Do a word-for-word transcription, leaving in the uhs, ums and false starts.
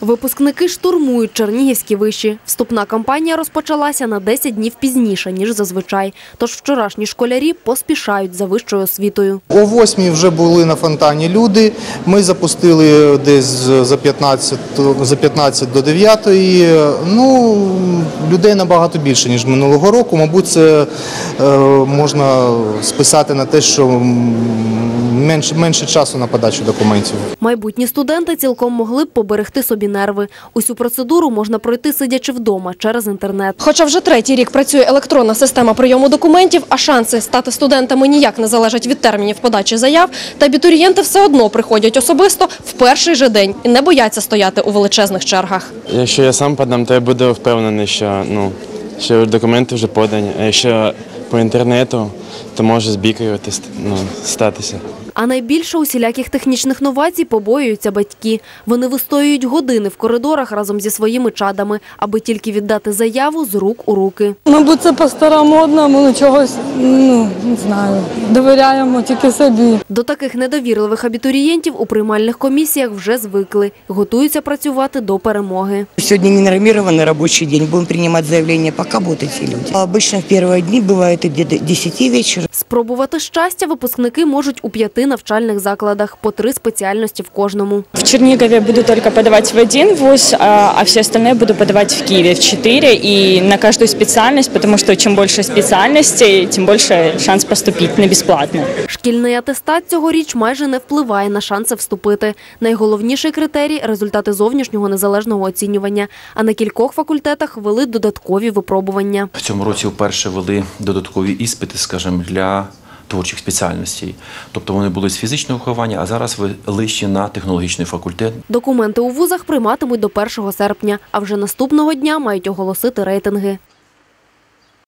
Випускники штурмують чернігівські виші. Вступна кампанія розпочалася на десять днів пізніше, ніж зазвичай. Тож вчорашні школярі поспішають за вищою освітою. О восьмій вже були на фонтані люди. Ми запустили десь за п'ятнадцять, за п'ятнадцять до дев'ятої. Ну, людей набагато більше, ніж минулого року. Мабуть, це е, можна списати на те, що менше, менше часу на подачу документів. Майбутні студенти цілком могли б поберегти собі нерви. Усю процедуру можна пройти, сидячи вдома, через інтернет. Хоча вже третій рік працює електронна система прийому документів, а шанси стати студентами ніяк не залежать від термінів подачі заяв, та абітурієнти все одно приходять особисто в перший же день і не бояться стояти у величезних чергах. Якщо я сам подам, то я буду впевнений, що, ну, що документи вже подані. А якщо по інтернету, то може збікувати, ну, статися. А найбільше усіляких технічних новацій побоюються батьки. Вони вистоюють години в коридорах разом зі своїми чадами, аби тільки віддати заяву з рук у руки. Мабуть, це по-старомодному, ну чогось, ну, не знаю, довіряємо тільки собі. До таких недовірливих абітурієнтів у приймальних комісіях вже звикли. Готуються працювати до перемоги. Сьогодні не нормований робочий день, будемо приймати заявлення, поки будуть ці люди. Обично в перші дні буває до десяти вечора. Спробувати щастя випускники можуть у п'яти навчальних закладах, по три спеціальності в кожному. В Чернигове буду только подавать в один вуз, а все остальные буду подавать в Киеве в четыре и на каждую специальность, потому что чем больше специальностей, тем больше шанс поступить на бесплатно. Шкільний атестат цьогоріч майже не впливає на шанси вступити. Найголовніший критерій – результати зовнішнього незалежного оцінювання. А на кількох факультетах ввели додаткові випробування. В цьому році вперше ввели додаткові іспити, скажімо, для творчих спеціальностей. Тобто вони були з фізичного виховання, а зараз ввели ще на технологічний факультет. Документи у вузах прийматимуть до першого серпня, а вже наступного дня мають оголосити рейтинги.